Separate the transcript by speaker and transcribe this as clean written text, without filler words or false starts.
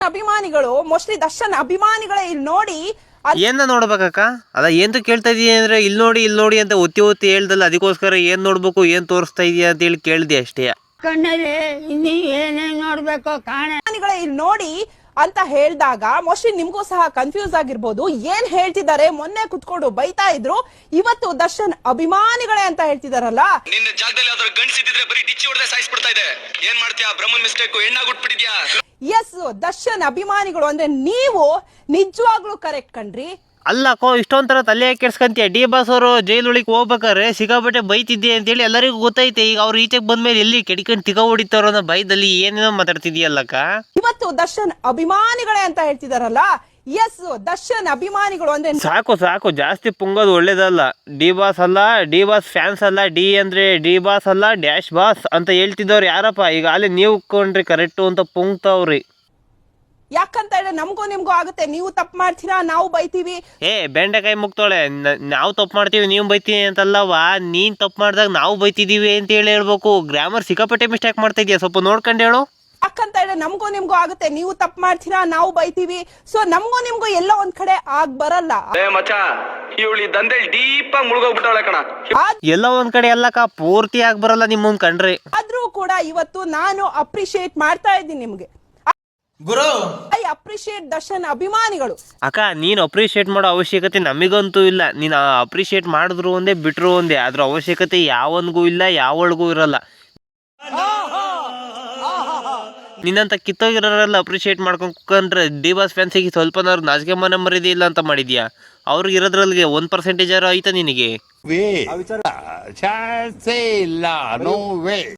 Speaker 1: ಅಭಿಮಾನಿಗಳು ಮೋಸ್ಟ್ಲಿ ದರ್ಶನ್ ಅಭಿಮಾನಿಗಳೇ ಇಲ್ಲಿ ನೋಡಿ
Speaker 2: ಏನ ನೋಡ್ಬೇಕಕ್ಕ ಅದ ಏನ್ ಕೇಳ್ತಾ ಇದೀಯ ಅಂದ್ರೆ ಇಲ್ಲಿ ನೋಡಿ ಅಂತ ಒತ್ತಿ ಒತ್ತಿ ಹೇಳ್ದಲ್ಲ, ಅದಕ್ಕೋಸ್ಕರ ಏನ್ ನೋಡ್ಬೇಕು ಏನ್ ತೋರಿಸ್ತಾ ಇದೀಯ ಅಂತ ಹೇಳಿ ಕೇಳ್ದೆ ಅಷ್ಟೇ.
Speaker 3: ಕಣ್ಣಲ್ಲಿ ಇನ್ನೀ ಏನೇನ್ ನೋಡ್ಬೇಕು
Speaker 1: ಅಭಿಮಾನಿಗಳೇ ಇಲ್ಲಿ ನೋಡಿ ಅಂತ ಹೇಳಿದಾಗ ಮೋಸ್ಟ್ಲಿ ನಿಮ್ಗೂ ಸಹ ಕನ್ಫ್ಯೂಸ್ ಆಗಿರ್ಬೋದು. ಏನ್ ಹೇಳ್ತಿದ್ದಾರೆ, ಮೊನ್ನೆ ಕುತ್ಕೊಂಡು ಬೈತಾ ಇದ್ರು, ಇವತ್ತು ದರ್ಶನ್ ಅಭಿಮಾನಿಗಳೇ ಅಂತ ಹೇಳ್ತಿದಾರಲ್ಲ.
Speaker 4: ನಿನ್ನ ಜಾಗದಲ್ಲಿ ಯಾವ್ದಾದ್ರು ಗಂಡ್ಸಿದ್ರೆ ಬರೀ ಡಿಚ್ಚಿ ಹೊಡೆದೇ ಸಾಯಿಸ್ಬಿಡ್ತಾ ಇದೆ. ಏನ್ ಮಾಡ್ತೀಯಾ? ಬ್ರಹ್ಮನ್ ಮಿಸ್ಟೇಕ್ ಹೆಣ್ಣಾಗ್ಬಿಟ್ಬಿಟ್ಟಿದ್ಯಾ?
Speaker 1: ಎಸ್, ದರ್ಶನ್ ಅಭಿಮಾನಿಗಳು ಅಂದ್ರೆ ನೀವು ನಿಜವಾಗ್ಲೂ ಕರೆಕ್ಟ್ ಕಣ್ರಿ.
Speaker 2: ಅಲ್ಲಕ್ಕೋ ಇಷ್ಟೊಂಥರ ತಲೆ ಕೆಡ್ಸ್ಕಂತೀಯ. ಡಿ ಬಾಸ್ ಅವರು ಜೈಲೊಳಗೆ ಹೋಗ್ಬೇಕಾದ್ರೆ ಸಿಕ್ಕಾಪಟ್ಟೆ ಬೈತಿದ್ದೆ ಅಂತೇಳಿ ಎಲ್ಲರಿಗೂ ಗೊತ್ತೈತೆ. ಈಗ ಅವ್ರು ಈಚೆಗೆ ಬಂದ್ಮೇಲೆ ಎಲ್ಲಿ ಕೆಡಿಕೊಂಡು ತಿಕ್ಕ ಹೊಡಿತಾರೋ ಅನ್ನೋ ಭಯದಲ್ಲಿ ಏನೇನೋ ಮಾತಾಡ್ತಿದ್ಯಲ್ಲಕ್ಕ. ಇವತ್ತು
Speaker 1: ದರ್ಶನ್ ಅಭಿಮಾನಿಗಳೇ ಅಂತ ಹೇಳ್ತಿದಾರಲ್ಲ. ಎಸ್, ದರ್ಶನ್ ಅಭಿಮಾನಿಗಳು ಅಂದ್ರೆ
Speaker 2: ಸಾಕು ಜಾಸ್ತಿ ಪುಂಗೋದು ಒಳ್ಳೇದಲ್ಲ. ಡಿ ಬಾಸ್ ಅಲ್ಲ, ಡಿ ಬಾಸ್ ಫ್ಯಾನ್ಸ್ ಅಲ್ಲ, ಡಿ ಅಂದ್ರೆ ಡಿ ಬಾಸ್ ಅಲ್ಲ, ಡ್ಯಾಶ್ ಬಾಸ್ ಅಂತ ಹೇಳ್ತಿದ್ದವ್ರು ಯಾರಪ್ಪ? ಈಗ ಅಲ್ಲಿ ನೀವು ಕೊಂಡ್ರಿ ಕರೆಕ್ಟು ಅಂತ ಪುಂಗ್ತಾವ್ರಿ.
Speaker 1: ಯಾಕಂತ ಹೇಳಿ ನಮಗೂ ನಿಮ್ಗೂ ಆಗುತ್ತೆ. ನೀವು ತಪ್ಪು ಮಾಡ್ತೀರಾ, ನಾವು ಬೈತೀವಿ.
Speaker 2: ಬೆಂಡೆಕಾಯಿ ಮುಗ್ತೋಳೆ, ನಾವು ತಪ್ಪು ಮಾಡ್ತೀವಿ ನೀವು ಬೈತೀವಿ ಅಂತಲ್ಲವಾ. ನೀನ್ ತಪ್ಪು ಮಾಡಿದಾಗ ನಾವು ಬೈತಿದೀವಿ ಅಂತ ಹೇಳಿ ಹೇಳ್ಬೇಕು. ಗ್ರಾಮರ್ ಸಿಕ್ಕಾಪಟ್ಟೆ ಮಿಸ್ಟೇಕ್ ಮಾಡ್ತಾ ಇದೀಯ, ಸ್ವಲ್ಪ ನೋಡ್ಕೊಂಡು ಹೇಳು.
Speaker 1: ಯಾಕಂತ ಹೇಳಿ ನಮಗೂ ನಿಮ್ಗೂ ಆಗುತ್ತೆ. ನೀವು ತಪ್ಪು ಮಾಡ್ತೀರಾ, ನಾವು ಬೈತೀವಿ. ಸೊ ನಮಗೂ ನಿಮ್ಗೂ ಎಲ್ಲ ಒಂದ್ ಕಡೆ ಆಗ್ ಬರಲ್ಲ.
Speaker 4: ಮಚ್ಚ, ಇವಳಿ ದಂಧೆ ಡೀಪ್ ಆಗಿ ಮುಳುಗೋಗ್ಬಿಟ್ಟಾಳೆ ಕಣ.
Speaker 2: ಎಲ್ಲ ಒಂದ್ ಕಡೆ ಎಲ್ಲಕ್ಕ ಪೂರ್ತಿ ಆಗಿ ಬರಲ್ಲ ನಿಮ್ಮನ್ ಕಂಡ್ರೆ.
Speaker 1: ಆದ್ರೂ ಕೂಡ ಇವತ್ತು ನಾನು ಅಪ್ರಿಶಿಯೇಟ್ ಮಾಡ್ತಾ ಇದ್ದೀನಿ ನಿಮ್ಗೆ.
Speaker 5: ಗುರು
Speaker 1: ಐ ಅಪ್ರಿಶಿಯೇಟ್ ದರ್ಶನ್ ಅಭಿಮಾನಿಗಳು.
Speaker 2: ಅಕ್ಕ, ನೀನ್ ಅಪ್ರಿಶಿಯೇಟ್ ಮಾಡೋ ಅವಶ್ಯಕತೆ ನಮಗಂತೂ ಇಲ್ಲ. ನೀನ್ ಅಪ್ರಿಶಿಯೇಟ್ ಮಾಡಿದ್ರು ಒಂದೇ ಬಿಟ್ರು ಒಂದೇ. ಅದ್ರ ಅವಶ್ಯಕತೆ ಯಾವನ್ಗೂ ಇಲ್ಲ, ಯಾವಳಿಗೂ ಇರಲ್ಲ. ನಿನ್ನಂತ ಕಿತ್ತೋಗಿರೋರೆಲ್ಲ ಅಪ್ರಿಶಿಯೇಟ್ ಮಾಡ್ಕೊಂಡು ಕುತ್ಕೊಂಡ್ರೆ ಡಿ ಬಾಸ್ ಫ್ಯಾನ್ಸಿಗೆ ಸ್ವಲ್ಪನಾದ್ರು ನಾಚಿಕೆ ಮನೆ ಮರಿದಿ ಇಲ್ಲ ಅಂತ ಮಾಡಿದ್ಯಾ? ಅವ್ರಿಗೆ ಇರೋದ್ರಲ್ಲಿ 1% ಆಯ್ತಾ ನಿನಗೆ?
Speaker 6: ಚಾನ್ಸೇ ಇಲ್ಲ, ನೋ ವೇ.